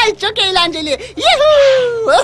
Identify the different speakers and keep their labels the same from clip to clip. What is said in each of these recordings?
Speaker 1: Ay, çok eğlenceli. Yuhuu!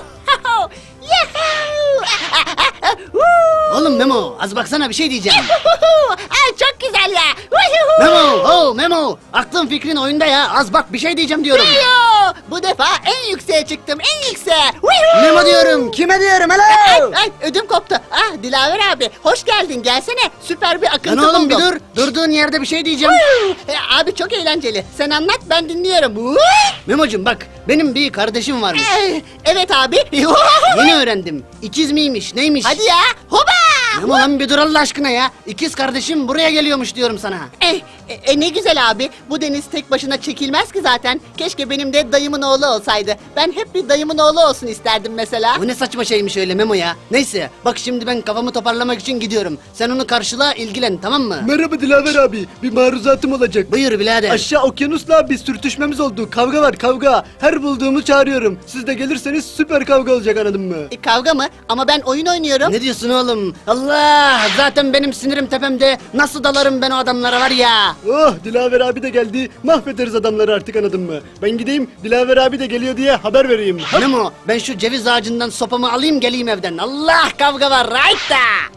Speaker 2: Oğlum Memo, az baksana bir şey diyeceğim.
Speaker 1: Ay, çok güzel ya.
Speaker 2: Memo, aklın fikrin oyunda ya. Az bak bir şey diyeceğim diyorum.
Speaker 1: Yuhuu! Bu defa en yükseğe çıktım, en yükseğe.
Speaker 2: Memo diyorum, kime diyorum
Speaker 1: Ay,
Speaker 2: hello?
Speaker 1: ay, ödüm koptu. Ah, Dilaver abi, hoş geldin, gelsene. Süper bir akıntı
Speaker 2: Lan oğlum bir
Speaker 1: buldum.
Speaker 2: dur, durduğun yerde bir şey diyeceğim.
Speaker 1: Abi çok eğlenceli. Sen anlat, ben dinliyorum.
Speaker 2: Memo'cum bak, benim bir kardeşim varmış.
Speaker 1: Evet abi.
Speaker 2: Yeni öğrendim. İkiz miymiş, neymiş?
Speaker 1: Hadi ya. Hoba!
Speaker 2: Memo lan bir dur Allah aşkına ya. İkiz kardeşim buraya geliyormuş diyorum sana.
Speaker 1: Ne güzel abi. Bu deniz tek başına çekilmez ki zaten. Keşke benim de dayımın oğlu olsaydı. Ben hep bir dayımın oğlu olsun isterdim mesela.
Speaker 2: Bu ne saçma şeymiş öyle Memo ya. Neyse bak şimdi ben kafamı toparlamak için gidiyorum. Sen onu karşıla ilgilen tamam mı?
Speaker 3: Merhaba Dilaver abi. Bir maruzatım olacak.
Speaker 2: Buyur birader.
Speaker 3: Aşağı okyanusla bir sürtüşmemiz oldu. Kavga var kavga. Her bulduğumu çağırıyorum. Siz de gelirseniz süper kavga olacak anladın mı?
Speaker 1: Kavga mı? Ama ben oyun oynuyorum.
Speaker 2: Ne diyorsun oğlum? Allah! Zaten benim sinirim tepemde. Nasıl dalarım ben o adamlara var ya?
Speaker 3: Oh Dilaver abi de geldi. Mahvederiz adamları artık anladın mı? Ben gideyim Dilaver abi de geliyor diye haber vereyim.
Speaker 2: Memo ben şu ceviz ağacından sopamı alayım geleyim evden. Allah kavga var right.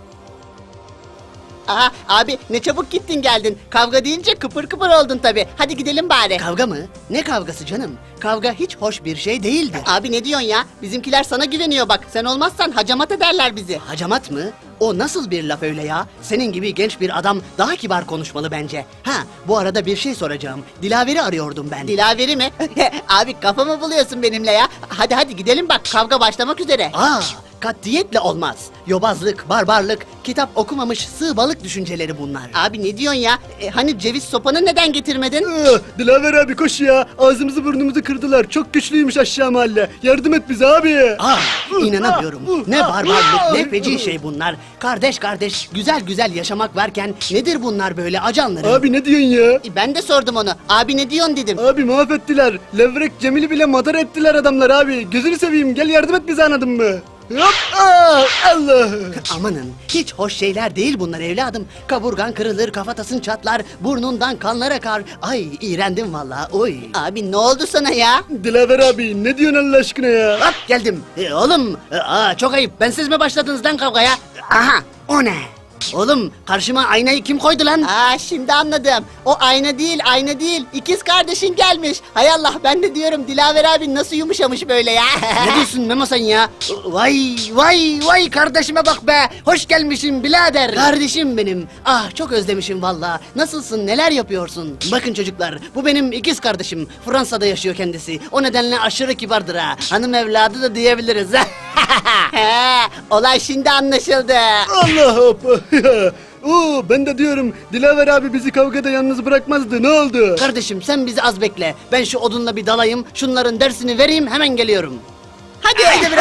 Speaker 1: Aha abi, ne çabuk gittin geldin. Kavga deyince kıpır kıpır oldun tabi. Hadi gidelim bari.
Speaker 2: Kavga mı? Ne kavgası canım? Kavga hiç hoş bir şey değildir.
Speaker 1: Abi ne diyorsun ya? Bizimkiler sana güveniyor bak. Sen olmazsan hacamat ederler bizi.
Speaker 2: Hacamat mı? O nasıl bir laf öyle ya? Senin gibi genç bir adam daha kibar konuşmalı bence. Ha, bu arada bir şey soracağım. Dilaver'i arıyordum ben.
Speaker 1: Dilaveri mi? Abi kafamı buluyorsun benimle ya. Hadi hadi gidelim bak, kavga başlamak üzere.
Speaker 2: Katiyetle olmaz. Yobazlık, barbarlık, kitap okumamış sığ balık düşünceleri bunlar.
Speaker 1: Abi ne diyorsun ya? Hani ceviz sopanı neden getirmedin?
Speaker 3: Dilaver abi koş ya. Ağzımızı burnumuzu kırdılar. Çok güçlüymüş aşağı mahalle. Yardım et bize abi.
Speaker 2: İnanamıyorum. Ne barbarlık, ne feci şey bunlar. Kardeş kardeş, güzel güzel yaşamak varken nedir bunlar böyle acanları?
Speaker 3: Abi ne diyorsun ya?
Speaker 1: Ben de sordum onu. Abi ne diyorsun dedim.
Speaker 3: Abi mahvettiler. Levrek Cemil'i bile madar ettiler adamlar abi. Gözünü seveyim gel yardım et bize anladın mı? Hop! Allah!
Speaker 2: Amanın, hiç hoş şeyler değil bunlar evladım. Kaburgan kırılır, kafatasın çatlar, burnundan kanlar akar. Ay, iğrendim vallahi. Oy.
Speaker 1: Abi ne oldu sana ya?
Speaker 3: Dilaver abi ne diyorsun Allah aşkına ya?
Speaker 2: Hop geldim. Oğlum, çok ayıp. Bensiz mi başladınız lan kavgaya? Aha, o ne? Oğlum, karşıma aynayı kim koydu lan?
Speaker 1: Şimdi anladım. O ayna değil, ayna değil. İkiz kardeşin gelmiş. Hay Allah, ben de diyorum Dilaver abi nasıl yumuşamış böyle ya.
Speaker 2: Ne diyorsun Memo sen ya? Vay kardeşime bak be. Hoş gelmişsin birader. Kardeşim benim. Ah çok özlemişim valla. Nasılsın, neler yapıyorsun? Bakın çocuklar, bu benim ikiz kardeşim. Fransa'da yaşıyor kendisi. O nedenle aşırı kibardır ha. Hanım evladı da diyebiliriz.
Speaker 1: Olay şimdi anlaşıldı.
Speaker 3: Allah hop! Ben de diyorum Dilaver abi bizi kavgada yalnız bırakmazdı ne oldu?
Speaker 2: Kardeşim sen bizi az bekle. Ben şu odunla bir dalayım. Şunların dersini vereyim hemen geliyorum.
Speaker 1: Hadi.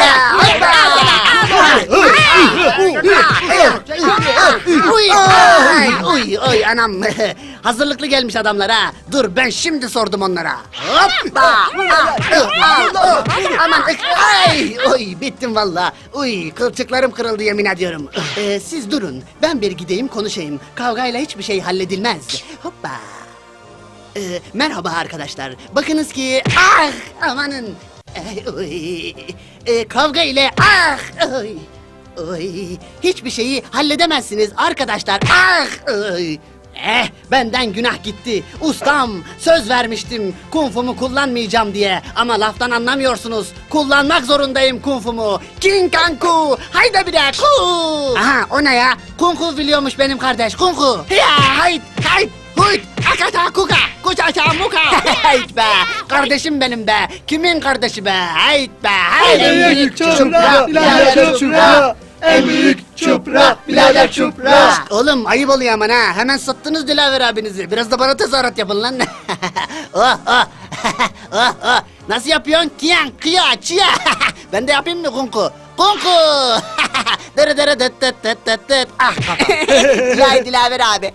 Speaker 2: Uy anam. Hazırlıklı gelmiş adamlar ha. Dur ben şimdi sordum onlara. Hoppa. Aman oy bittim valla. Uy kılçıklarım kırıldı yemin ediyorum. Siz durun. Ben bir gideyim konuşayım. Kavgayla hiçbir şey halledilmez. Hoppa. Merhaba arkadaşlar. Bakınız ki amanın. Kavga ile hiçbir şeyi halledemezsiniz arkadaşlar. Benden günah gitti. Ustam söz vermiştim kung fu'mu kullanmayacağım diye. Ama laftan anlamıyorsunuz. Kullanmak zorundayım kung fu'mu. King Kang Fu. Haydi bir de ku. Aha o ne ya? Kung fu biliyormuş benim kardeş. Kung fu. Ya hayt. Huyt. Akata kuka. Kuçaça muka. Hayt be. Kardeşim benim be. Kimin kardeşi be? Hayt be.
Speaker 3: En büyük çupra, birader çupra. En büyük çupra, birader çupra.
Speaker 2: Oğlum ayıp oluyor aman ha. Hemen sattınız Dilaver abinizi. Biraz da bana tezahürat yapın lan. Nasıl yapıyorsun? Kiyan, kıya, çiya. Ben de yapayım mı kunku? Kunku. Dere dere dıt dıt dıt dıt dıt. Ah kafam.
Speaker 1: Ya Dilaver abi.